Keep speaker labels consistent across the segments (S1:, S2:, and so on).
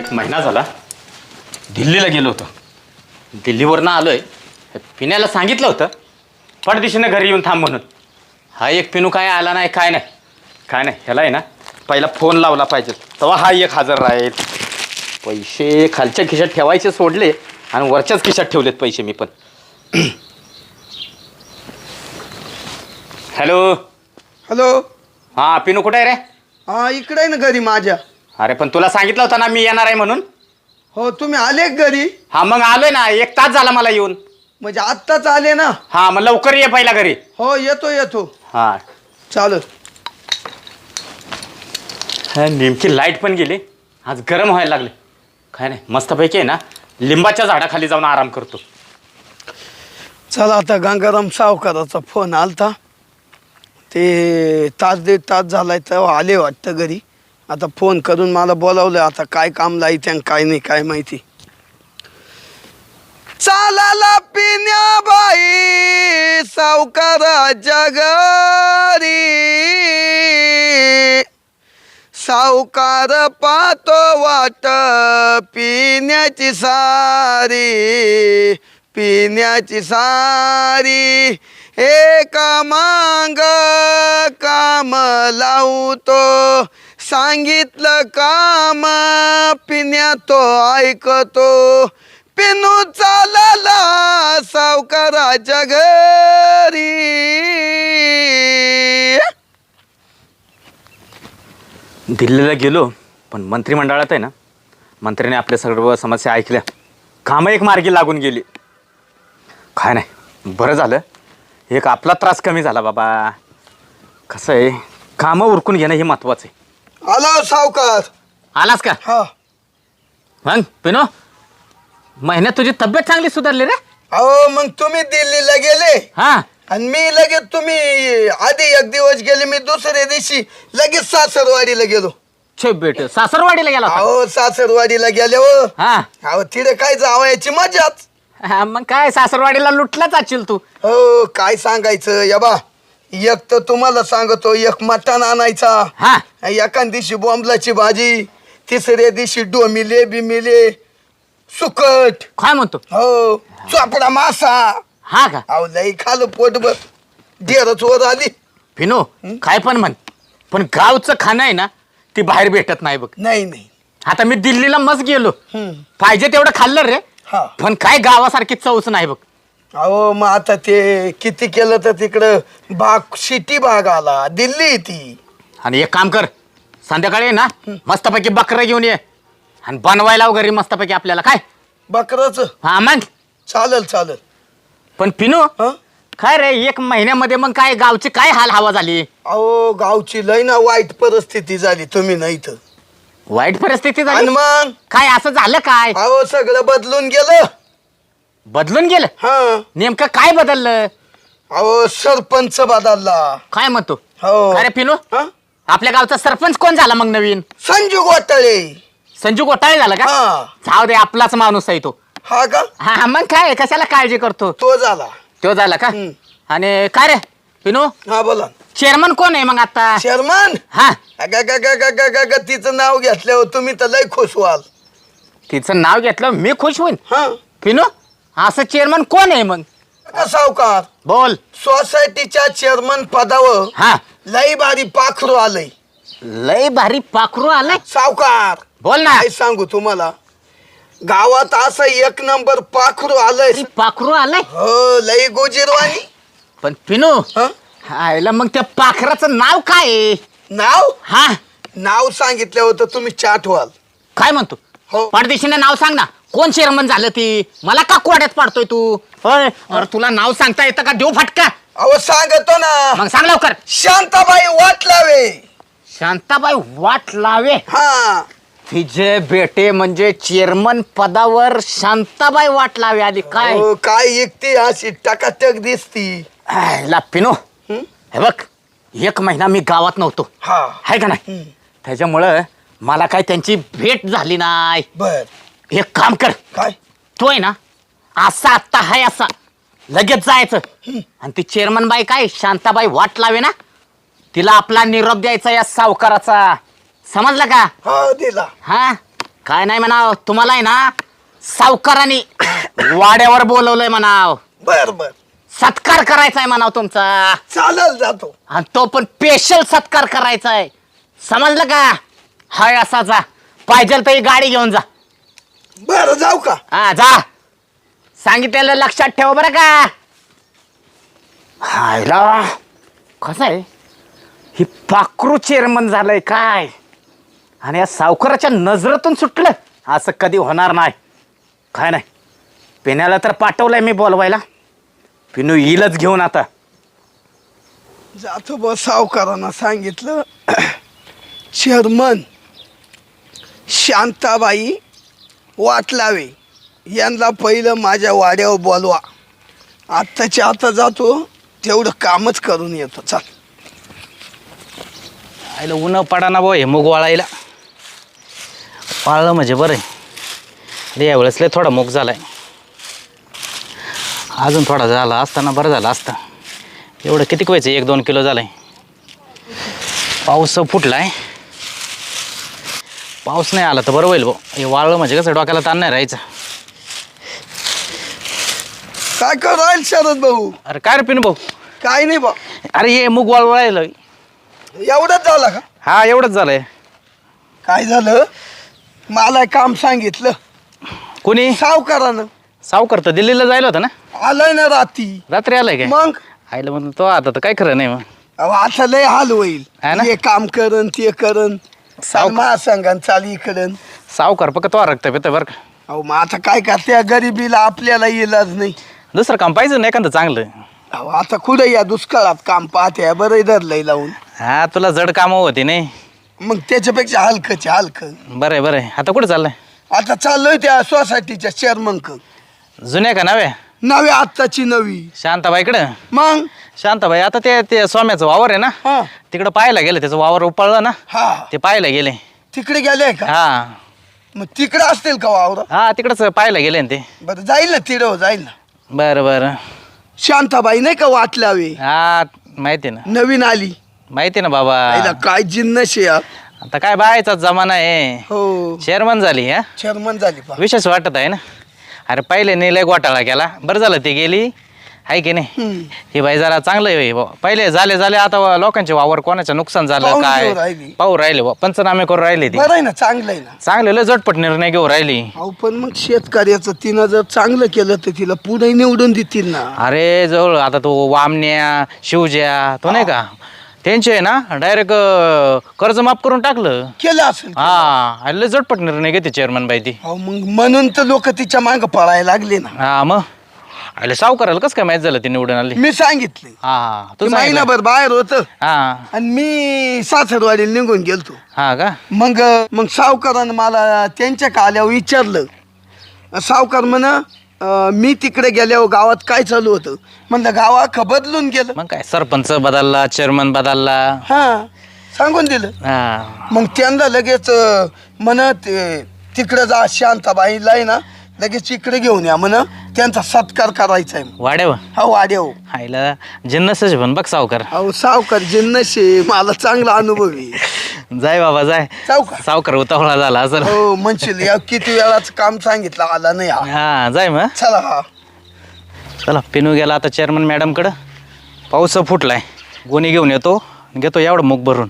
S1: एक महिना झाला दिल्लीला गेलो होतो. दिल्लीवरनं आलोय. पिण्याला सांगितलं होतं पडदिशीनं घरी येऊन थांब म्हणून. हा एक पिनू काय आला नाही, काय नाही ह्याला आहे ना पहिला फोन लावला पाहिजे, तेव्हा हा एक हजर राहील. पैसे खालच्या खिशात ठेवायचे सोडले आणि वरच्याच खिशात ठेवलेत पैसे मी पण. Hello
S2: hello.
S1: हां पिनू कुठे आहे रे?
S2: हा इकडे आहे ना घरी माझ्या.
S1: अरे पण तुला सांगितलं होतं ना मी येणार आहे म्हणून.
S2: हो तुम्ही आले घरी?
S1: हा मग आलोय ना, 1 तास झाला मला येऊन.
S2: म्हणजे आत्ताच आले ना?
S1: हा मग लवकर ये पहिला घरी.
S2: हो येतो.
S1: हा
S2: चालत.
S1: नेमकी लाईट पण गेली. आज गरम व्हायला लागले. काय नाही मस्तपैकी आहे ना लिंबाच्या झाडाखाली जाऊन आराम करतो.
S2: चला आता गंगाराम सावकाराचा फोन आलता. ते तास 1.5 तास झालाय तेव्हा आले वाटतं घरी. आता फोन करून मला बोलावलं. आता काय काम लाईत्या काय नाही काय माहिती. चालाला पिण्याबाई सावकाराच्या घरी, सावकार पाहतो वाट पिण्याची सारी, एका मांग काम लावतो, सांगितलं काम पिण्या तो ऐकतो, पिनू चालला सावकाराच्या घरी.
S1: दिल्लीला गेलो पण मंत्रिमंडळात आहे ना मंत्र्याने आपल्या सर्व समस्या ऐकल्या. कामं एक मार्गी लागून गेली. काय नाही बरं झालं, एक आपला त्रास कमी झाला बाबा. कसं आहे कामं उरकून घेणं हे महत्वाचं आहे.
S2: आला सावकार.
S1: आलास का?
S2: हा.
S1: मग पिनो महिन्यात तुझी तब्येत चांगली सुधारली रे.
S2: अहो मग तुम्ही दिल्लीला गेले
S1: हा
S2: आणि मी लगेच, तुम्ही आधी 1 दिवस गेले, मी दुसऱ्या दिवशी लगेच सासरवाडीला गेलो.
S1: छे बेट सासरवाडीला गेला होता?
S2: अहो सासरवाडीला गेले हो.
S1: हा
S2: अहो तिथे काय जावयाची मजाच.
S1: हा, मग काय सासरवाडीला लुटलाच असेल तू.
S2: हो काय सांगायचं या बा. एक तर तुम्हाला सांगतो, एक मटण आणायचा,
S1: हा
S2: एका दिवशी बोंबलाची भाजी, तिसऱ्या दिवशी डोमिले बिमिले सुकट,
S1: काय म्हणतो?
S2: हो चोपडा मासा.
S1: हा का?
S2: अहो लई खालं पोटभर. डेरच वर आली.
S1: पिनो काय पण म्हण, पण गावचं खाणं आहे ना ती बाहेर भेटत नाही बघ.
S2: नाही.
S1: आता मी दिल्लीला मस्त गेलो,
S2: हम्म.
S1: पाहिजे तेवढं खाल्लं रे,
S2: हा.
S1: पण काय गावासारखी चवच नाही बघ.
S2: अहो मग आता ते किती केलं तर तिकडं सिटी भाग आला, दिल्ली ती.
S1: आणि एक काम कर, संध्याकाळी आहे ना मस्तपैकी बकरं घेऊन ये आणि बनवायला घरी मस्तपैकी आपल्याला. काय
S2: बकरच
S1: हा मग.
S2: चालेल.
S1: पण पिनो
S2: हं?
S1: काय रे 1 महिन्यामध्ये मग काय गावची काय हाल हवा झाली?
S2: अहो गावची लय ना वाईट परिस्थिती झाली. तुम्ही नाही तर
S1: वाईट परिस्थिती
S2: आणि
S1: झाली.
S2: मग
S1: काय असं झालं काय?
S2: अहो सगळं बदलून गेलं.
S1: बदलून गेलं?
S2: हा.
S1: नेमकं काय बदललं?
S2: अहो सरपंच बदलला.
S1: काय म्हणतो?
S2: हो.
S1: अरे पिनो
S2: हं?
S1: आपल्या गावचा सरपंच कोण झाला मग नवीन?
S2: संजू घोटाळे.
S1: संजू घोटाळे झाला का?
S2: हा.
S1: जाऊ दे, आपलाच माणूस आहे तो.
S2: हा का?
S1: हा मग काय कशाला काळजी करतो?
S2: तो झाला.
S1: तो झाला का?
S2: हम्म.
S1: आणि काय रे पिनो
S2: हा बोला.
S1: चेअरमन कोण आहे मग आता?
S2: शर्मन.
S1: हा
S2: तिचं नाव घेतल्यावर तुम्ही तर लय खुश व्हाल.
S1: तिचं नाव घेतलं मी खुश होईन.
S2: हा.
S1: पिनो असं चेअरमन कोण आहे मग?
S2: सावकार
S1: बोल.
S2: सोसायटीच्या चेअरमन पदावर
S1: हा
S2: लई भारी पाखरू आलंय.
S1: लय भारी पाखरू आलाय.
S2: सावकार
S1: बोल ना.
S2: काय सांगू तुम्हाला, गावात असं 1 नंबर पाखरू आलंय.
S1: अरे पाखरू आलाय.
S2: हो लई गोजीरवाणी.
S1: पण पिनो
S2: हं?
S1: आयला मग त्या पाखराचं नाव काय आहे?
S2: नाव
S1: हा
S2: नाव सांगितलं होतं तुम्ही चाट व्हाल.
S1: काय म्हणतो?
S2: हो.
S1: परदेशीने नाव सांग ना, कोण चेअरमन झालं ती? मला का कोड्यात पाडतोय तू? होय अरे तुला नाव सांगता येतं का? देऊ फटका.
S2: अहो सांगतो ना,
S1: मग सांग लवकर.
S2: शांताबाई वाटलावे.
S1: शांताबाई वाट लावे.
S2: हा.
S1: तिचे बेटे म्हणजे चेअरमन पदावर शांताबाई वाट लावे आली काय?
S2: हो, काय एकटी अशी टकाटक दिसती.
S1: पिनो
S2: हं?
S1: हे बघ 1 महिना मी गावात नव्हतो
S2: हा.
S1: आहे का नाही, त्याच्यामुळं मला काय त्यांची भेट झाली नाही.
S2: बर.
S1: एक काम कर,
S2: काय?
S1: तो आहे ना असा आत्ता हाय असा लगेच जायचं आणि ती चेअरमन बाई काय शांताबाई वाट लावे ना, तिला आपला निरोप द्यायचा या सावकाराचा. समजलं का?
S2: हा दिला.
S1: हा काय नाही म्हणाव, तुम्हाला आहे ना सावकारांनी वाड्यावर बोलवलंय म्हणाव.
S2: बर बर
S1: सत्कार करायचा आहे म्हणाव तुमचा.
S2: चालेल जातो.
S1: आणि तो पण स्पेशल सत्कार करायचा आहे, समजलं का? हाय असा जा, पाहिजे तर ही गाडी घेऊन जा.
S2: बरं जाऊ का?
S1: हा जा, सांगितलेलं लक्षात ठेव बरं का. हायला कसं आहे, ही पाखरू चेअरमन झालंय काय, आणि या सावकाराच्या नजरेतून सुटलं असं कधी होणार नाही. काय नाही, पिण्याला तर पाठवलंय मी बोलवायला, पिनू येईलच घेऊन आता.
S2: जातो बस, सावकारांना सांगितलं चेअरमन शांताबाई वाटलावे यांना पहिलं माझ्या वाड्यावर बोलवा. आत्ताच्या आता जातो, तेवढं कामच करून येतो. चाल.
S3: आईला ऊन पडा ना भाऊ, हे मूग वाळायला. वाळलं म्हणजे बरं आहे. अरे यावेळेस लय थोडा मूग झालाय, अजून थोडा झाला असताना बरं झालं असतं. एवढं किती व्हायचं, 1-2 किलो झालंय. पाऊस फुटलाय, पाऊस नाही आला तर बरं होईल भाऊ. हे वाळलं म्हणजे कसं डोक्याला ताण नाही राहायचं.
S2: काय करू राहील शरद भाऊ?
S3: अरे काय रे पिनू भाऊ?
S2: काय नाही बा.
S3: अरे हे मूग वाळवायला.
S2: एवढंच झालं का?
S3: हा एवढंच झालंय.
S2: काय झालं, मला काम सांगितलं
S3: कोणी?
S2: सावकारानं.
S3: सावकार तर दिल्लीला जायला होतं ना,
S2: आलाय ना
S3: रात्री आलाय काय?
S2: मग
S3: आईला म्हणून तो आता तर काय खरं नाही मग.
S2: अहो, आता लय हाल होईल.
S3: है ना?
S2: हे काम करन ते करन, महासंघान चाली करन.
S3: सावकार फक्त तो रक्त पितं बरं का.
S2: अहो मग आता काय करते, गरिबीला आपल्याला इलाज नाही.
S3: दुसरं काम पाहिजे ना एखादं चांगलं.
S2: अहो आता कुठं या दुष्काळात काम पाहते, बरं धरलंय लावून.
S3: हा तुला जड कामं होती नाही,
S2: मग त्याच्यापेक्षा हलकंच हलकं.
S3: बरं आहे बरं आहे. आता कुठं चाललंय?
S2: आता चाललोय त्या सोसायटीच्या चेअरमन
S3: जुन्या का नव्या?
S2: नवी, आत्ताची नवी.
S3: शांताबाईकडं?
S2: मग
S3: शांताबाई आता ते स्वाम्याचं वावर आहे ना,
S2: हा
S3: तिकडं पाहायला गेलं. त्याचं वावर उपळलं ना,
S2: हा
S3: ते पाहायला गेले.
S2: तिकडे गेले का?
S3: हा
S2: मग तिकडे असतील का वावर?
S3: हा तिकडंच पाहायला गेले ना ते.
S2: बरं जाईल ना, तिडं जाईल ना.
S3: बरं बरं.
S2: शांताबाई नाही का वाटलावे,
S3: हा माहिती ना,
S2: नवीन आली.
S3: माहिती ना बाबा.
S2: आईला काय जिन्नस आहे यार.
S3: आता काय बायचाच जमाना आहे.
S2: हो
S3: चेअरमन झाली. हा
S2: चेअरमन झाली पा.
S3: विशेष वाटत आहे ना. अरे पहिले नेलंय घोटाळा केला, बरं झालं ते गेली, आहे की नाही. हे बाई जरा चांगलं आहे बुवा. पहिले झाले आता लोकांचे वावर कोणाचं नुकसान झालं
S2: पाहून
S3: काय
S2: घेऊन राहिली.
S3: पाहू राहिले बुवा. पंचनामे करून राहिले ते.
S2: बरं आहे ना, चांगलं आहे ना.
S3: चांगले लय झटपट निर्णय घेऊन राहिली.
S2: अहो पण मग शेतकऱ्याचं तिनं जर चांगलं केलं तर तिला पुढे निवडून देतील ना.
S3: अरे जवळ आता तो वामण्या शिवज्या तो नाही का, त्यांचे आहे ना डायरेक्ट कर्ज माफ करून टाकलं.
S2: केलं असेल.
S3: हा लय झटपट निर्णय घेते चेअरमन बाई ती.
S2: अहो मग म्हणून तर लोक तिच्या मागं पळायला लागले ना.
S3: हा मग अरे सावकाराला कसं काय माहित झालं ती निवडून आली?
S2: मी सांगितले.
S3: हा
S2: ते
S3: तू सांगितलं.
S2: महिनाभर बाहेर होत
S3: हा
S2: आणि मी सासरवाडीला निघून गेलतो.
S3: हा का?
S2: मग सावकारानं मला त्यांच्या काल्यावर विचारलं. सावकार म्हण मी तिकडे गेल्यावर गावात काय चालू होतं. म्हणलं गाव अख्खं बदलून गेलं.
S3: मग काय सरपंच बदलला, चेअरमन बदलला.
S2: हा सांगून दिलं.
S3: हा
S2: मग त्यांना लगेच म्हणत तिकडे जा, शांताबाईला आहे ना लगेच इकडे घेऊन या म्हण, त्यांचा सत्कार करायचा आहे.
S3: वाड्यावर
S2: हा वाड्याव.
S3: आईला जिन्नसच पण बघ सावकार.
S2: अहो सावकार जिन्नशे, मला चांगला अनुभव आहे.
S3: जाय बाबा जाय.
S2: सावकार
S3: सावकार उतावळा झाला असं.
S2: हो म्हणशील या किती वेळाच काम सांगितलं, आला नाही हा.
S3: हा जाय मग.
S2: चला हा.
S3: चला पिनू गेला आता चेअरमन मॅडमकडं. पाऊस फुटलाय, गोणी घेऊन येतो, घेतो एवढं मूग भरून.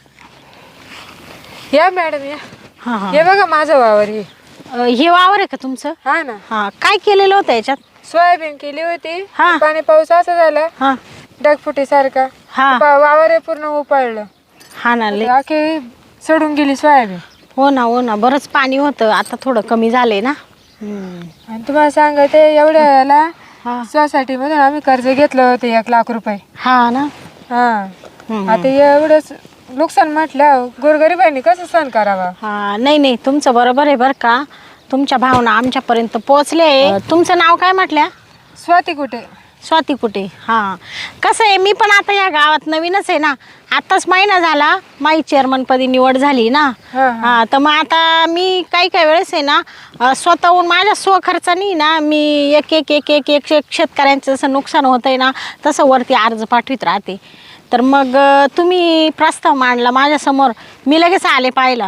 S4: या मॅडम या.
S5: हा हा
S4: हे बघा माझं वावर हे.
S5: हे वावर आहे का तुमचं?
S4: हा ना,
S5: हा काय केलेलं होतं याच्यात?
S4: सोयाबीन केली होती.
S5: हा.
S4: पाणी पाऊस असा झाला
S5: हा
S4: ढगफुटी सारखा,
S5: हा
S4: वावर हे पूर्ण उपाळलं.
S5: हा ना लय.
S4: आखी सडून गेली सोयाबीन.
S5: हो ना बरंच पाणी होतं, आता थोडं कमी झालंय ना.
S4: आणि तुम्हाला सांगते एवढ्या याला
S5: हा
S4: सोसायटी मधून आम्ही कर्ज घेतलं होतं 1 लाख रुपये.
S5: हा ना.
S4: हा आता एवढंच नुकसान म्हटलं गोरगरिबांनी कसं सहन करावा.
S5: हा नाही तुमचं बरोबर आहे बरं का. तुमच्या भावना आमच्यापर्यंत पोहोचले. तुमचं नाव काय म्हटल्या?
S4: स्वाती कुठे?
S5: स्वाती कुठे. हां कसं आहे, मी पण आता या गावात नवीनच आहे ना. आत्ताच महिना झाला माझी चेअरमनपदी निवड झाली ना. हां तर मग आता मी काही वेळेस आहे ना स्वतःहून माझ्या स्वखर्चानी ना मी एक शेतकऱ्यांचं जसं नुकसान होतं आहे ना तसं वरती अर्ज पाठवित राहते. तर मग तुम्ही प्रस्ताव मांडला माझ्यासमोर, मी लगेच आले पाहिला.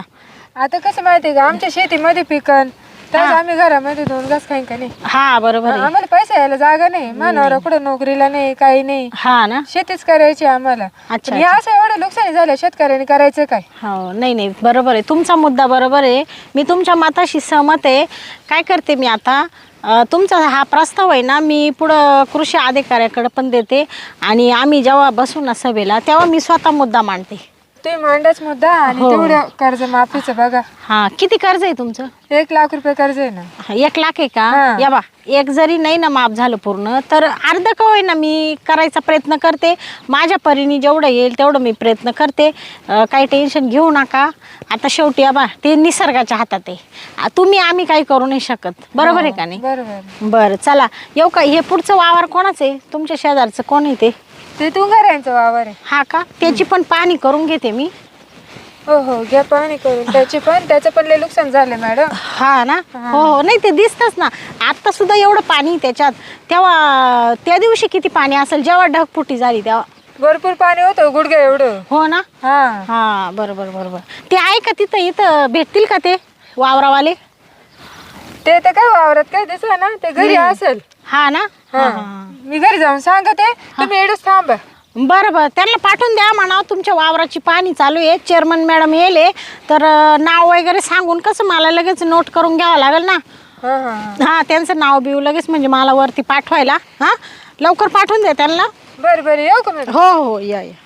S4: आता कसं माहितीये का आमच्या शेतीमध्ये पिकन तर आम्ही घरामध्ये 2 घास खाईन का नाही.
S5: हा बरोबर आहे.
S4: आम्हाला पैसे यायला जागा नाही, मानवाला कुठं नोकरीला नाही, काही नाही,
S5: हा ना.
S4: शेतीच करायची आम्हाला.
S5: अच्छा,
S4: पण हे असं एवढं नुकसानी झालं शेतकऱ्यांनी करायचं काय.
S5: हो नाही नाही बरोबर आहे, तुमचा मुद्दा बरोबर आहे. मी तुमच्या मताशी सहमत आहे. काय करते मी आता, तुमचा हा प्रस्ताव आहे ना मी पुढं कृषी अधिकाऱ्याकडे पण देते आणि आम्ही जेव्हा बसू ना सभेला तेव्हा मी स्वतः मुद्दा मांडते.
S4: तुम्ही मांडाच मुद्दा आणि तेवढं कर्ज माफीचं बघा.
S5: हा किती कर्ज आहे तुमचं?
S4: 1 लाख रुपये कर्ज आहे ना.
S5: 1 लाख आहे का?
S4: हा.
S5: या बा, एक जरी नाही ना माफ झालं पूर्ण तर अर्ध का होईना मी करायचा प्रयत्न करते. माझ्या परीने जेवढं येईल तेवढं मी प्रयत्न करते. काही टेन्शन घेऊ नका. आता शेवटी या बा ते निसर्गाच्या हातात आहे. तुम्ही आम्ही काही करू नाही शकत. बरोबर आहे का नाही?
S4: बरोबर.
S5: बरं चला येऊ का. हे पुढचं वावर कोणाचं आहे? तुमच्या शेजारचं कोण आहे ते?
S4: ते तुंगाऱ्यांचं वावर आहे.
S5: हा का? त्याची पण पाहणी करून घेते मी.
S4: हो हो घ्या पाहणी करून. त्याचं पण लय नुकसान झालं मॅडम.
S5: हा ना. हो हो नाही ते दिसतच ना. आता सुद्धा एवढं पाणी त्याच्यात. तेव्हा त्या दिवशी किती पाणी असेल जेव्हा ढगफुटी झाली तेव्हा?
S4: भरपूर पाणी होतं गुडघ्या एवढं.
S5: हो ना.
S4: हा
S5: हा बरोबर बरोबर. ते आहे का तिथं? इथं भेटतील का ते वावरावाले?
S4: ते तर काय वावरात काय दिसलं ना, ते घरी असेल.
S5: हा ना.
S4: हा. मी घरी जाऊन सांगते, तुम्ही एवढंच थांबा.
S5: बरं बरं त्यांना पाठवून द्या म्हणा तुमच्या वावराची पाणी चालू आहे. चेअरमन मॅडम येले तर नाव वगैरे सांगून कसं मला लगेच नोट करून घ्यावं लागेल ना.
S4: हा हा
S5: हा त्यांचं नाव बिव लगेच म्हणजे मला वरती पाठवायला. हा लवकर पाठवून द्या त्यांना.
S4: बरं बरं येऊ का मॅडम?
S5: हो हो या या.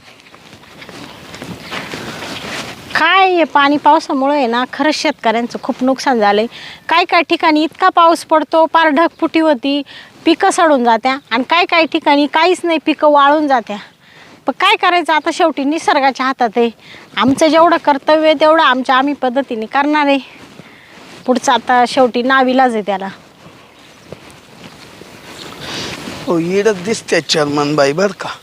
S5: काय हे पाणी पावसामुळे आहे ना खरंच शेतकऱ्यांचं खूप नुकसान झालंय. काय ठिकाणी इतका पाऊस पडतो पार ढगफुटी होती, पिकं सडून जात्या आणि काय ठिकाणी काहीच नाही, पिकं वाळून जात्या. पण काय करायचं आता शेवटी निसर्गाच्या हातात आहे. आमचं जेवढं कर्तव्य आहे तेवढं आम्ही पद्धतीने करणार आहे. पुढचं आता शेवटी नाविलाज आहे त्याला.
S2: हो इडच दिसते चेअरमन बाई बर का.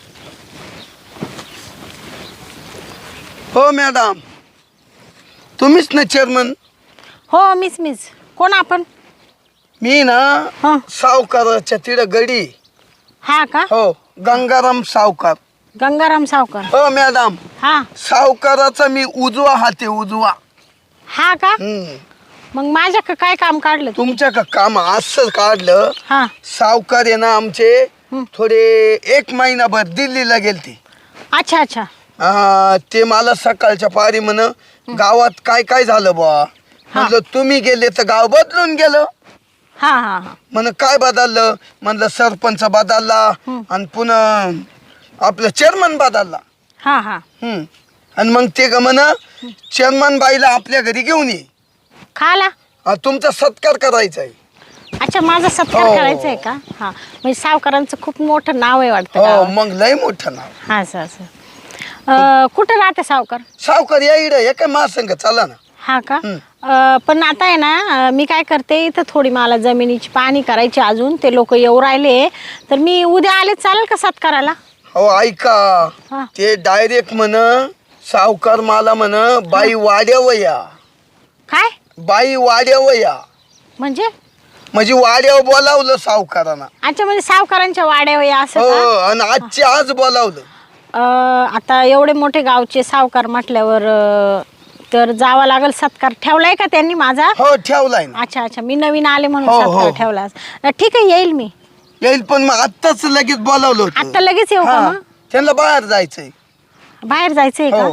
S2: हो मॅडम तुम्हीच ना चेअरमन?
S5: हो मीच. कोण आपण?
S2: मी ना
S5: हां.
S2: सावकाराच्या तिथं गडी.
S5: हा का?
S2: हो गंगाराम सावकार.
S5: गंगाराम सावकार.
S2: हो मॅडम
S5: हा
S2: सावकाराचा मी उजवा हात आहे उजवा.
S5: हा का?
S2: हम्म.
S5: मग माझ्या काय काम काढलं तू?
S2: तुमच्या का काम असं काढलं.
S5: हा
S2: सावकार आहे ना आमचे थोडे 1 महिनाभर दिल्लीला गेलते.
S5: अच्छा अच्छा.
S2: ते मला सकाळच्या पारी म्हण गावात काय झालं बा. म्हणलं तुम्ही गेले तर गाव बदलून गेलं.
S5: हा हा हा.
S2: म्हण काय बदललं. म्हणलं सरपंच बदलला आणि पुन्हा आपलं चेअरमन बदलला.
S5: हा हा.
S2: आणि मग ते म्हण चेअरमन बाईला आपल्या घरी घेऊन ये,
S5: खाला
S2: तुमचा सत्कार करायचा आहे.
S5: अच्छा माझा सत्कार
S2: हो.
S5: करायचा आहे का? हा म्हणजे सावकारांचं खूप मोठं नाव आहे वाटतं
S2: हो
S5: गावात.
S2: मग लय मोठं नाव.
S5: हा असं कुठं राहते सावकार?
S2: सावकार या इड हे काय महासंघ चला ना.
S5: हा का? पण आता आहे ना मी काय करते इथं थोडी मला जमिनीची पाहणी करायची अजून. ते लोक येऊ राहिले तर मी उद्या आले चालेल का सत्काराला?
S2: हो ऐका
S5: हा.
S2: ते डायरेक्ट म्हण सावकार मला म्हण बाई वाड्यावया.
S5: काय
S2: बाई वाड्यावया
S5: म्हणजे?
S2: म्हणजे वाड्यावर बोलावलं सावकारांना.
S5: अच्छा म्हणजे सावकारांच्या वाड्यावर या असं
S2: हो
S5: का?
S2: आणि आजची आज बोलावलं.
S5: आता एवढे मोठे गावचे सावकार म्हटल्यावर तर जावं लागेल. सत्कार ठेवलाय का त्यांनी माझा?
S2: हो ठेवलाय ना.
S5: अच्छा अच्छा मी नवीन आले म्हणून
S2: हो,
S5: सत्कार
S2: हो.
S5: ठेवला. ठीक आहे येईल मी.
S2: येईल पण मग आत्ताच लगेच बोलावलं होतं.
S5: आता लगेच येऊ का
S2: हा,
S5: मग?
S2: त्यांना बाहेर जायचंय.
S5: बाहेर जायचंय का?
S2: हो.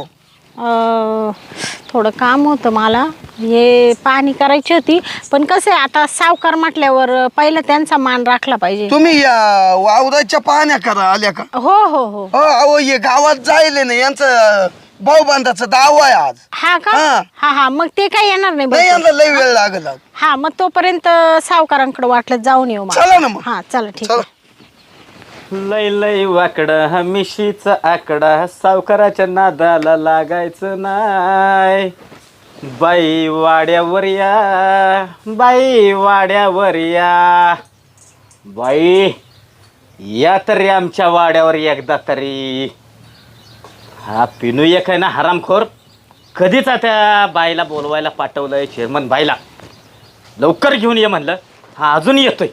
S5: थोडं काम होतं मला. हे पाहणी करायची होती पण कसं आहे आता सावकार म्हटल्यावर पहिलं त्यांचा मान राखला पाहिजे.
S2: तुम्ही या वावराच्या पाहण्या करा आल्या का?
S5: हो हो हो.
S2: हो अहो हे गावात जायले ना यांचं भाऊबांधाचा दावा आहे आज.
S5: हा का?
S2: हा.
S5: हा हा मग ते काही येणार नाही
S2: नाही
S5: बहुतेक.
S2: यांना लय वेळ लागल आज.
S5: हा मग तोपर्यंत सावकारांकडे वाटलं जाऊन येऊ मग.
S2: चला ना मग.
S5: हा चला ठीक
S2: चला.
S5: आहे.
S1: लय वाकडा मिशीचा आकडा सावकाराच्या नादाला लागायचं नाय. बाई वाड्यावर या, बाई वाड्यावर या, बाई या तरी आमच्या वाड्यावर एकदा तरी. हा पिनू एक आहे ना हरामखोर, कधीच त्या बाईला बोलवायला पाठवलंय चेअरमन बाईला. लवकर घेऊन ये म्हणलं, हा अजून येतोय.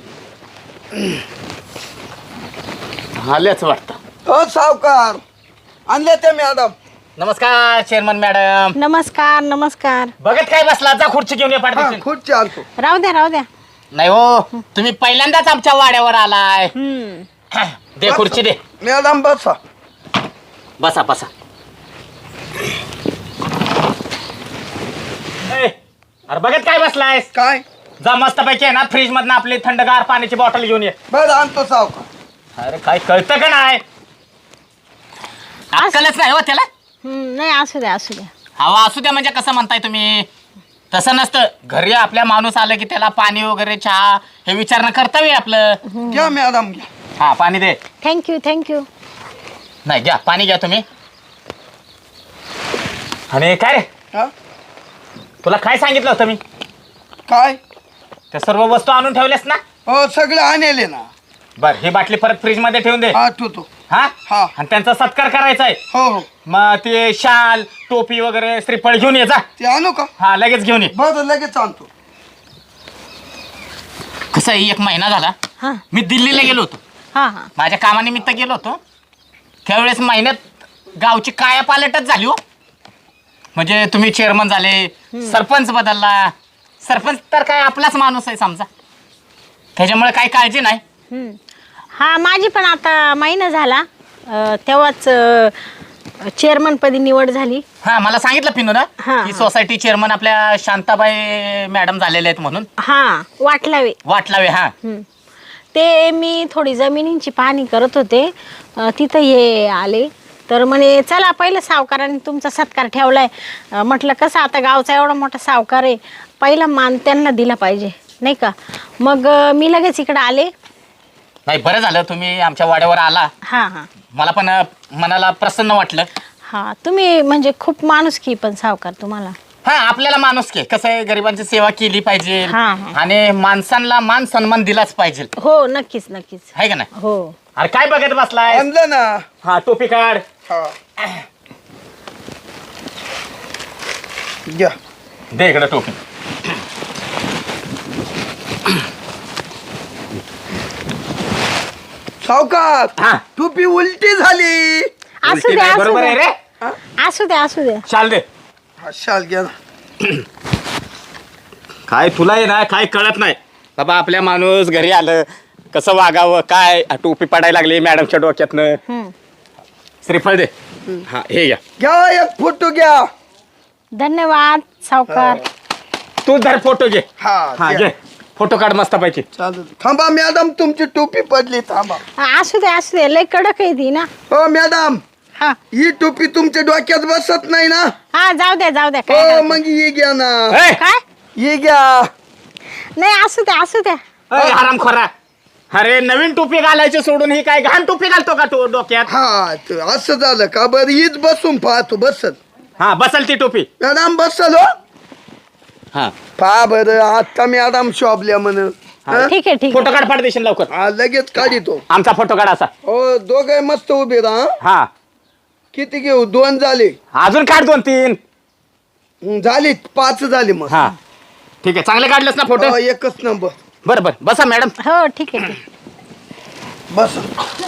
S1: आल्याच वाटतं.
S2: हो सावकार आणले ते मॅडम.
S1: नमस्कार चेअरमन मॅडम.
S5: नमस्कार नमस्कार.
S1: बघत काय बसला, जा खुर्ची घेऊन ये
S2: हा
S1: पाठवशील.
S2: खुर्ची आणतो.
S5: राहू द्या राहू द्या.
S1: नाही हो, तुम्ही पहिल्यांदाच आमच्या वाड्यावर आलाय. दे खुर्ची दे.
S2: मॅडम बसा.
S1: बसा बसा. ए, अरे बघत काय बसलायस?
S2: काय
S1: जा मस्त पैकी आहे ना फ्रीज मधनं आपली थंडगार पाण्याची बॉटल घेऊन ये.
S2: बरं आणतो सावकार.
S1: अरे काय कळतं का नाही? अक्कलच नाही हो त्याला.
S5: नाही असू द्या असू द्या.
S1: हवा असू द्या म्हणजे कसं म्हणताय तुम्ही? तसं नसतं. घरी आपल्या माणूस आलं की त्याला पाणी वगैरे चहा हे विचारणं कर्तव्य आहे आपलं.
S2: घ्या मॅडम घ्या.
S1: हा पाणी दे.
S5: Thank you thank you.
S1: नाही घ्या पाणी घ्या तुम्ही. आणि काय रे,
S2: हा
S1: तुला काय सांगितलं होतं मी?
S2: काय
S1: त्या सर्व वस्तू आणून ठेवल्यास ना?
S2: हो सगळं आणले ना.
S1: बर ही बाटली परत फ्रीज मध्ये ठेवून दे.
S2: हा ठेवतो.
S1: हा
S2: हा.
S1: आणि त्यांचा सत्कार करायचा आहे.
S2: हो हो
S1: मग ते शाल टोपी वगैरे श्रीफळ घेऊन ये जा.
S2: ते आणू का?
S1: हा लगेच घेऊन ये.
S2: बरं लगेच आणतो.
S1: कसं आहे, 1 महिना झाला
S5: हां
S1: मी दिल्लीला गेलो होतो.
S5: हां हां.
S1: माझ्या कामानिमित्त गेलो होतो. त्यावेळेस महिन्यात गावची कायापालटच झाली हो. म्हणजे तुम्ही चेअरमन झाले, सरपंच बदलला. सरपंच तर काय आपलाच माणूस आहे समजा, त्याच्यामुळे काही काळजी नाही.
S5: हा माझी पण आता महिना झाला तेव्हाच चेअरमनपदी निवड झाली.
S1: हा मला सांगितलं पिनू ना
S5: हा,
S1: की
S5: हा.
S1: सोसायटी चेअरमन आपल्या शांताबाई मॅडम झालेले आहेत म्हणून.
S5: हां वाटलावे.
S1: वाटलावे. हा
S5: ते मी थोडी जमिनींची पाहणी करत होते तिथं हे आले तर म्हणे चला पहिलं सावकारांनी तुमचा सत्कार ठेवलाय. म्हटलं कसं आता गावचा एवढा मोठा सावकार आहे, पहिला मान त्यांना दिला पाहिजे नाही का. मग मी लगेच इकडं आले.
S1: नाही बरं झालं तुम्ही आमच्या वाड्यावर आला.
S5: हां हां
S1: मला पण मनाला प्रसन्न वाटलं.
S5: हां. तुम्ही म्हणजे खूप माणुसकी पण सावकार तुम्हाला.
S1: हा आपल्याला माणूस के कसं आहे, गरिबांची सेवा केली पाहिजे
S5: हा, हा.
S1: आणि माणसांना मान सन्मान दिलाच पाहिजे.
S5: हो नक्कीच नक्कीच.
S1: आहे का नाही?
S5: हो.
S1: अरे काय बघत बसलाय?
S2: आणलं ना.
S1: हा टोपी काढ.
S2: हा घ्या.
S1: दे इकडे टोपी.
S2: सावकार
S1: हा.
S2: टोपी उलटी झाली.
S5: असू
S1: उलटी
S5: द्या
S1: नाही,
S5: असू
S1: बरोबर आहे
S5: द्या
S1: रे.
S5: असू द्या असू द्या.
S1: शाल दे.
S2: हा शाल घ्या ना.
S1: काय तुला आहे ना काय कळत नाही बाबा. आपल्या माणूस घरी आलं कसं वागावं काय. टोपी पडायला लागली मॅडमच्या डोक्यातनं. श्रीफळ दे. हा हे घ्या.
S2: घ्या एक फोटो घ्या.
S5: धन्यवाद सावकार.
S1: तू धर फोटो घे.
S2: हा
S1: हा
S2: घ्या.
S1: घे फोटो काढ मस्त पैकी.
S2: चालेल. थांबा मॅडम तुमची टोपी पडली. थांबा.
S5: असू द्या लय कडक आहे ती ना.
S2: हो मॅडम
S5: हा
S2: ही टोपी तुमच्या डोक्यात बसत नाही ना.
S5: हा जाऊ द्या काय
S2: हो
S5: हरकत
S2: मग ही घ्या ना.
S1: ए,
S5: काय
S2: ही घ्या.
S5: नाही असू द्या.
S1: ए, हरामखोरा. अरे नवीन टोपी घालायची सोडून ही काय घाण टोपी घालतो का तू डोक्यात?
S2: हा त- असं झालं का? बरं हीच बसून पाहतो. बसल
S1: हा बसल ती टोपी.
S2: मॅडम बसल. हो
S1: हा
S2: पहा बरं आता मॅडम शॉपल्या म्हण.
S5: ठीक आहे
S1: फोटो काढ पाठ देशील लवकर.
S2: हा लगेच काढितो.
S1: आमचा फोटो काढ असा.
S2: हो दोघे मस्त उभे राहा.
S1: हा
S2: किती घेऊ? 2 झाले.
S1: अजून काढ 2-3.
S2: झाली 5 झाले मग.
S1: हा ठीक आहे चांगले काढलेस ना फोटो.
S2: हो, एकच नंबर.
S1: बरं बरं बसा मॅडम.
S5: हो ठीक आहे.
S2: बस.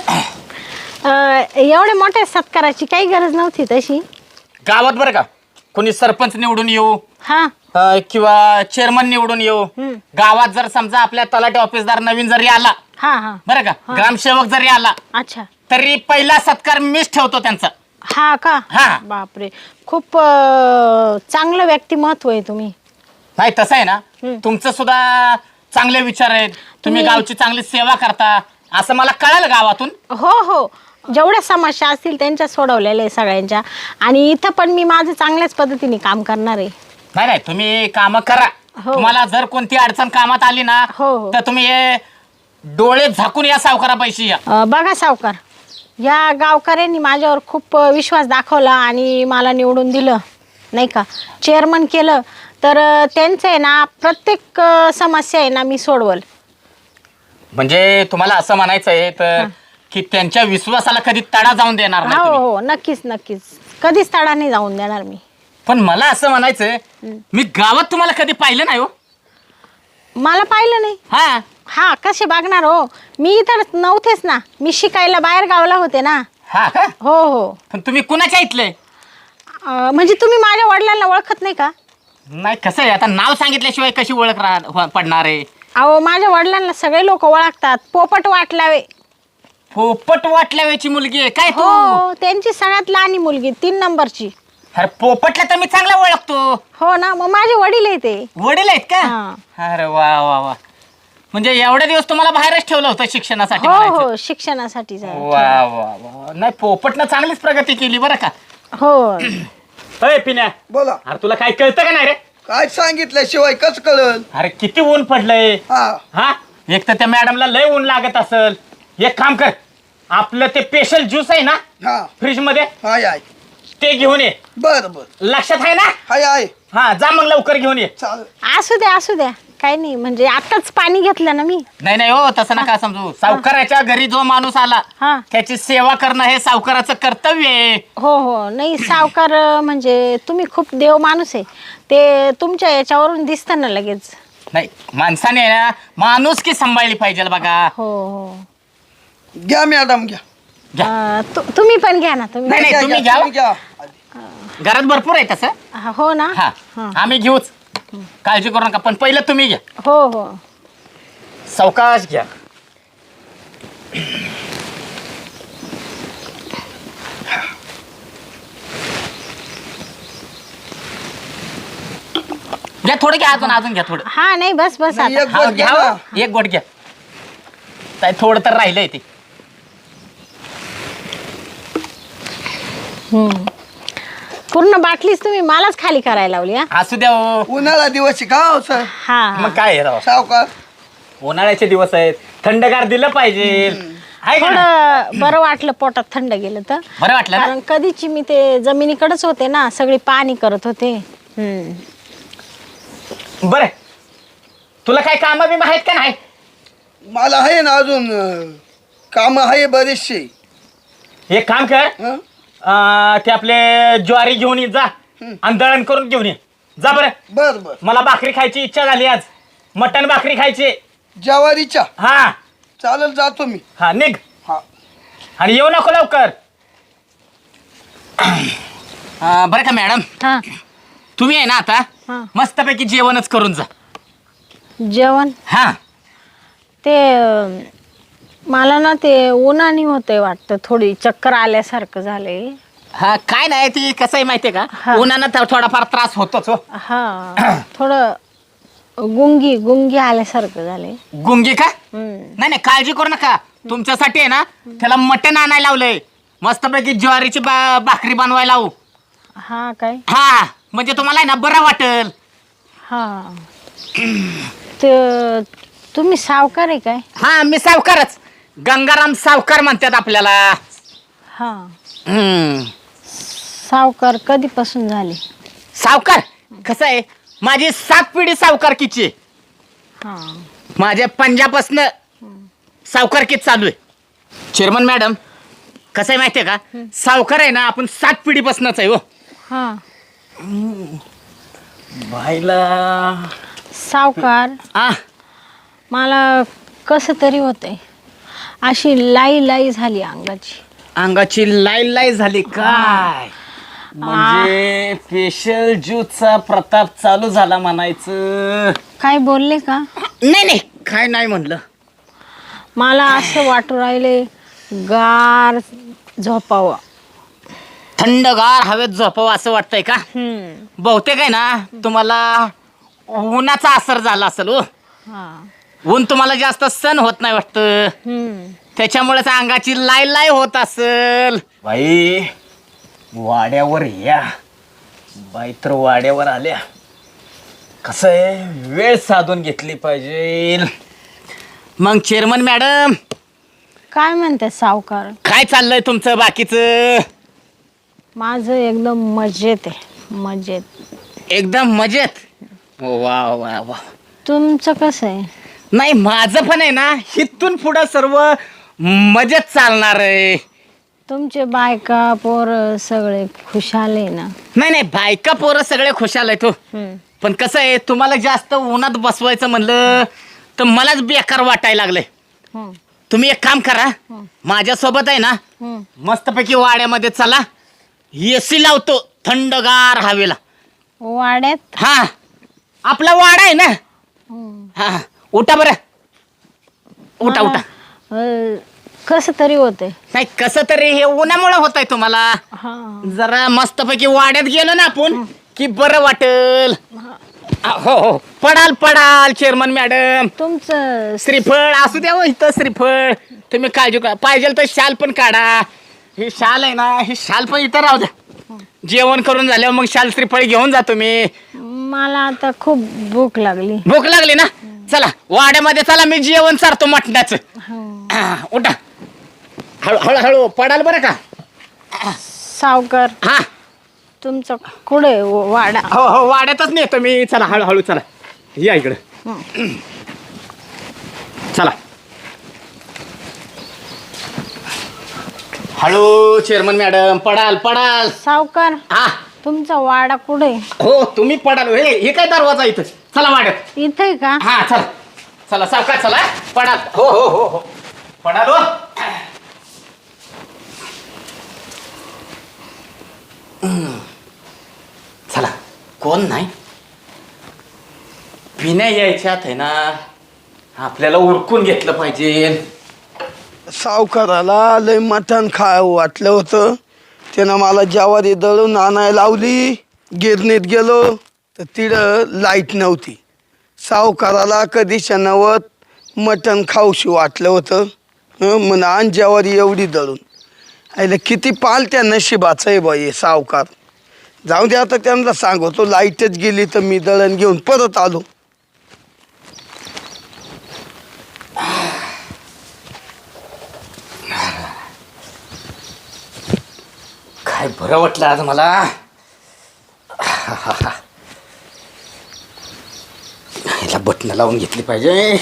S5: एवढ्या मोठ्या सत्काराची काही गरज नव्हती तशी.
S1: गावात बरं का कोणी सरपंच निवडून येऊ
S5: हा
S1: किंवा चेअरमन निवडून येऊ, गावात जर समजा आपल्या तलाठी ऑफिसदार नवीन जरी आला
S5: हा हा.
S1: बरं का, ग्रामसेवक जरी आला
S5: अच्छा.
S1: तरी पहिला सत्कार मीच ठेवतो त्यांचा.
S5: हा का?
S1: हा.
S5: बापरे खूप चांगलं व्यक्तिमत्व आहे तुम्ही.
S1: नाही तसं आहे ना, तुमचं सुद्धा चांगले विचार आहेत. तुम्ही गावची चांगली सेवा करता असं मला कळालं गावातून.
S5: हो हो जेवढ्या समस्या असतील त्यांच्या सोडवलेल्या आहे सगळ्यांच्या. आणि इथं पण मी माझं चांगल्याच पद्धतीने काम करणार आहे.
S1: नाही नाही तुम्ही काम करा.
S5: हो.
S1: तुम्हाला जर कोणती अडचण कामात आली ना
S5: हो, हो.
S1: तर तुम्ही हे डोळे झाकून या सावकारापाशी या.
S5: बघा सावकार, या गावकऱ्यांनी माझ्यावर खूप विश्वास दाखवला आणि मला निवडून दिलं नाही का, चेअरमन केलं. तर त्यांचं आहे ना प्रत्येक समस्या आहे ना मी सोडवल.
S1: म्हणजे तुम्हाला असं म्हणायचं आहे तर की त्यांच्या विश्वासाला कधी तडा जाऊन देणार नाही
S5: हो
S1: तुम्ही.
S5: हो नक्कीच नक्कीच कधीच तडा नाही जाऊन देणार मी.
S1: पण मला असं म्हणायचंय मी गावात तुम्हाला कधी पाहिलं नाही हो.
S5: मला पाहिलं नाही.
S1: हा
S5: हा कसे बघणार हो, मी इथं नव्हतेच ना, मी शिकायला बाहेर गावला होते ना.
S1: हा का?
S5: हो हो.
S1: पण तुम्ही कुणाच्या इथले?
S5: म्हणजे तुम्ही माझ्या वडिलांना ओळखत नाही का?
S1: नाही कसं आहे, आता नाव सांगितल्याशिवाय कशी ओळख पडणार आहे?
S5: अहो माझ्या वडिलांना सगळे लोक ओळखतात. पोपट वाटलावे.
S1: पोपट वाटल्याची मुलगी आहे काय तू?
S5: हो, त्यांची सगळ्यात लहानी मुलगी 3 नंबरची.
S1: अरे पोपटला तर मी चांगला ओळखतो.
S5: हो ना, मग माझे वडील आहे ते.
S1: वडील आहेत का?
S5: हा.
S1: अरे वा वा वा, म्हणजे एवढे दिवस तुम्हाला बाहेरच ठेवलं होतं शिक्षणासाठी
S5: हो
S1: म्हणायचं.
S5: हो, शिक्षणासाठी जा.
S1: वा वा वा, नाही पोपटनं चांगलीच प्रगती केली बरं का.
S5: हो.
S1: अय पिण्या,
S2: बोला.
S1: अरे तुला काय कळतं का नाही रे?
S2: काय सांगितल्याशिवाय कसं कळल?
S1: अरे किती ऊन पडलंय.
S2: हा
S1: हा, एक तर त्या मॅडमला लय ऊन लागत असल. एक काम कर, आपलं ते स्पेशल ज्यूस आहे ना
S2: हा
S1: फ्रीज मध्ये,
S2: हाय आहे.
S1: ते घेऊन ये.
S2: बर बर
S1: लक्षात आहे ना?
S2: हाय आहे.
S1: हा, जा मग लवकर घेऊन ये.
S2: चाल.
S5: असू द्या काही नाही, म्हणजे आताच पाणी घेतलं ना मी.
S1: नाही नाही हो, तसं नका समजू. सावकाराच्या घरी जो माणूस आला
S5: हा.
S1: त्याची सेवा करणं हे सावकाराचं कर्तव्य आहे.
S5: हो हो, नाही सावकार म्हणजे तुम्ही खूप देव माणूस आहे. ते तुमच्या याच्यावरून दिसतं ना लगेच.
S1: नाही, माणसाने ना माणूस की सांभाळली पाहिजे बघा.
S5: हो हो.
S2: घ्या मॅडम घ्या.
S5: तुम्ही पण घ्या ना तुम्ही.
S1: नाही,
S2: घ्या,
S1: तुम्ही
S2: घ्या,
S1: घ्या. घरात भरपूर आहे तसं.
S5: हो ना.
S1: हा, आम्ही घेऊच, काळजी करू नका. पण पहिलं तुम्ही घ्या.
S5: हो हो.
S1: सावकाश घ्या. घ्या थोडं, घ्या अजून घ्या थोडं.
S5: हा नाही, बस
S2: नाही,
S5: आता.
S2: एक
S1: हा,
S2: गोट घ्या
S1: घ्या
S2: ना.
S1: हो. एक गोट घ्या. काय थोडं तर राहिलंय ते.
S5: पूर्ण बाटलीच तुम्ही मलाच खाली करायला लावली. हा
S1: असू द्या हो.
S2: उन्हाळा दिवस आहे का हो सर?
S5: हा.
S1: मग काय आहे राव,
S2: सावकार
S1: उन्हाळ्याचे दिवस आहेत, थंडगार दिलं पाहिजे. आहे का नाही?
S5: थोडं बरं वाटलं, पोटात थंड गेलं तर.
S1: बरं वाटलं ना?
S5: कारण कधीची मी ते जमिनीकडेच होते ना, सगळी पाणी करत होते.
S1: बरं, तुला काय काम बिम आहेत का नाही?
S2: मला आहे ना अजून काम आहे बरेचसे.
S1: एक काम कर,
S2: हं?
S1: ते आपले ज्वारी घेऊन ये जा आणि दळण करून घेऊन ये जा. बरं,
S2: बर बर.
S1: मला भाकरी खायची इच्छा झाली आज. मटण भाकरी खायची.
S2: ज्वारीच्या
S1: हा
S2: चालेल, जातो मी.
S1: हा, निघ.
S2: हा
S1: आणि येऊ नको लवकर. बरं का मॅडम,
S5: हा.
S1: तुम्ही आहे ना आता
S5: हा.
S1: मस्तपैकी जेवणच करून जा.
S5: जेवण
S1: हा,
S5: ते मला ना ते उन्हानी होतंय वाटतं, थोडी चक्कर आल्यासारखं झालंय.
S1: हा, काय नाही, ती कसं आहे माहितीये का,
S5: हा.
S1: उन्हानं थोडाफार त्रास होतोच हो.
S5: हा. थोडं गुंगी आल्यासारखं झालंय.
S1: गुंगी का? नाही नाही, काळजी करू नका. तुमच्यासाठी आहे ना त्याला मटण आणायला लावलंय. मस्तपैकी ज्वारीची भाकरी बनवायला लावू.
S5: हा काय?
S1: हा, म्हणजे तुम्हाला आहे ना बरं वाटेल.
S5: हा. ते तुम्ही सावकार आहे काय?
S1: हा, मी सावकारच. गंगाराम सावकार म्हणतात आपल्याला.
S5: हा.
S1: हम्म.
S5: सावकार कधीपासून झाले?
S1: सावकार कसं आहे, माझी 7 पिढी सावकारकीची आहे.
S5: हा.
S1: माझ्या पंजाबपासनं सावकारकीच चालू आहे. चेअरमन मॅडम, कसं आहे माहितीये का, सावकार आहे ना आपण 7 पिढीपासूनच आहे हो.
S5: हा.
S1: बाईला
S5: सावकार,
S1: आ
S5: मला कसं तरी होतंय, अशी लाई झाली अंगाची.
S1: अंगाची लाई झाली काय? म्हणजे स्पेशल ज्यूसचा प्रताप चालू झाला म्हणायचं.
S5: काय बोलले का?
S1: नाही नाही, काय नाही म्हणलं.
S5: मला असं वाटू राहिले गार झोपावं.
S1: थंडगार हवेत झोपावं असं वाटतंय का? बहुतेक आहे ना तुम्हाला उन्हाचा असर झाला असेल हो.
S5: हा.
S1: ऊन तुम्हाला जास्त सण होत नाही वाटतं, त्याच्यामुळेच अंगाची लाई होत असेल. बाई वाड्यावर या. बाई तर वाड्यावर आल्या. कसं आहे, वेळ साधून घेतली पाहिजे. मग चेअरमन मॅडम,
S5: काय म्हणते सावकार?
S1: काय चाललंय तुमचं बाकीचं?
S5: माझं एकदम मजेत आहे, मजेत.
S1: एकदम मजेत. वा वा वा.
S5: तुमचं कसं आहे?
S1: नाही, माझं पण आहे ना इथून पुढं सर्व मजेत चालणार आहे.
S5: तुमचे बायका पोर सगळे खुशाल आहे ना?
S1: नाही नाही, बायका पोरं सगळे खुशाल आहेत हो. पण कसं आहे, तुम्हाला जास्त उन्हात बसवायचं म्हणलं तर मलाच बेकार वाटायला लागलंय. तुम्ही एक काम करा, माझ्यासोबत आहे ना मस्तपैकी वाड्यामध्ये चला, AC लावतो, थंडगार हवेला.
S5: वाड्यात
S1: हा आपला वाडा आहे ना. हा उठा बरं. उठा उठा.
S5: कसं तरी होतंय.
S1: नाही कसं तरी हे उन्हामुळे होत आहे तुम्हाला.
S5: हा
S1: जरा मस्तपैकी वाड्यात गेलो ना आपण की बरं वाटेल. हो हो पडाल पडाल चेअरमन मॅडम.
S5: तुमचं
S1: श्रीफळ असू द्या हो इथं श्रीफळ. तुम्ही काळजी करा पाहिजे तर शाल पण काढा. ही शाल आहे ना ही शाल पण इथं राहू द्या. जेवण करून झाल्यावर मग शाल श्रीफळ घेऊन जातो मी.
S5: मला आता खूप भूक लागली.
S1: भूक लागली ना चला वाड्यामध्ये चला मी जेवण चारतो मटणाचं. उठा हळू हळूहळू पडाल बरं का.
S5: सावकार
S1: हा
S5: तुमचं कुठे वाडा?
S1: हो हो वाड्यातच नेतो मी. चला हळूहळू चला या इकडं. चला हळू चेअरमन मॅडम पडाल पडाल.
S5: सावकार
S1: हा
S5: तुमचा वाडा कुठे?
S1: हो तुम्ही पडाल. हे काय दरवाजा इथं. चला वाड्यात.
S5: इथे का?
S1: हा चला चला सावकाश चला पडाल. हो हो हो हो पडाल हो. चला कोण नाही. पिण्या यायच्यात आहे ना आपल्याला उरकून घेतलं पाहिजे.
S2: सावकाराला लय मटण वाटलं होतं. त्यानं मला ज्वारी दळून आणायला लावली. गिरणीत गेलो तर तिथं लाईट नव्हती. सावकाराला कधी शनावत मटण खाऊशी वाटलं होतं. म्हणून आण ज्वारी एवढी दळून. आईला किती पालत्या नशिबाचं आहे बाई सावकार. जाऊ दे आता त्यांना सांगतो लाईटच गेली तर मी दळण घेऊन परत आलो.
S1: काय बरं वाटलं आज मला. ह्याला बटणं लावून घेतली पाहिजे.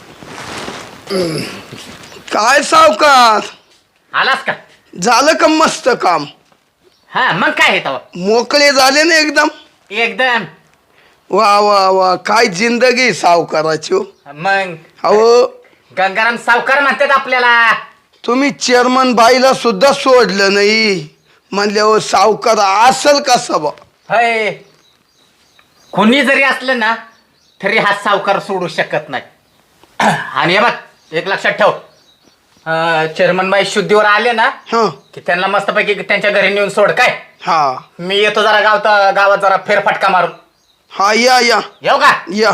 S2: काय सावकार
S1: आलास का.
S2: झालं का मस्त काम.
S1: हा मग काय आहे तेव्हा.
S2: मोकळे झाले ना एकदम.
S1: एकदम.
S2: वा वा वा काय जिंदगी सावकाराची हो.
S1: मग
S2: अहो
S1: गंगाराम सावकार म्हणतात आपल्याला.
S2: तुम्ही चेअरमन बाईला सुद्धा सोडलं नाही म्हणल्यावर सावकार असल कसा बा.
S1: होय कोणी जरी असलं ना तरी हा सावकार सोडू शकत नाही. आणि हे बघ एक लक्षात ठेव. चेअरमन बाई शुद्धीवर आले ना
S2: हा
S1: की त्यांना मस्तपैकी त्यांच्या घरी नेऊन सोड काय.
S2: हा
S1: मी येतो जरा गावात जरा फेरफटका मारून.
S2: हा या या
S1: येऊ का.
S2: या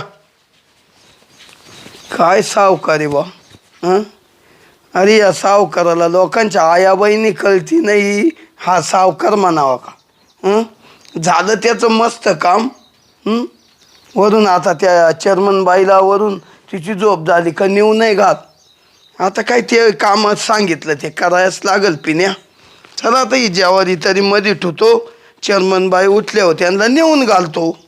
S2: काय सावकारी बा. हं अरे या सावकाराला लोकांच्या आया बहिणी कळती नाही. हा सावकार म्हणावा का. हं झालं त्याचं मस्त काम. वरून आता त्या चेअरमन बाईला वरून तिची झोप झाली का नेऊ नाही घात. आता काय ते कामात सांगितलं ते करायच लागल पिण्या. चला आता ही ज्वारी तरी मध्ये ठेवतो. चेअरमन बाई उठल्यावर त्यांना नेऊन घालतो.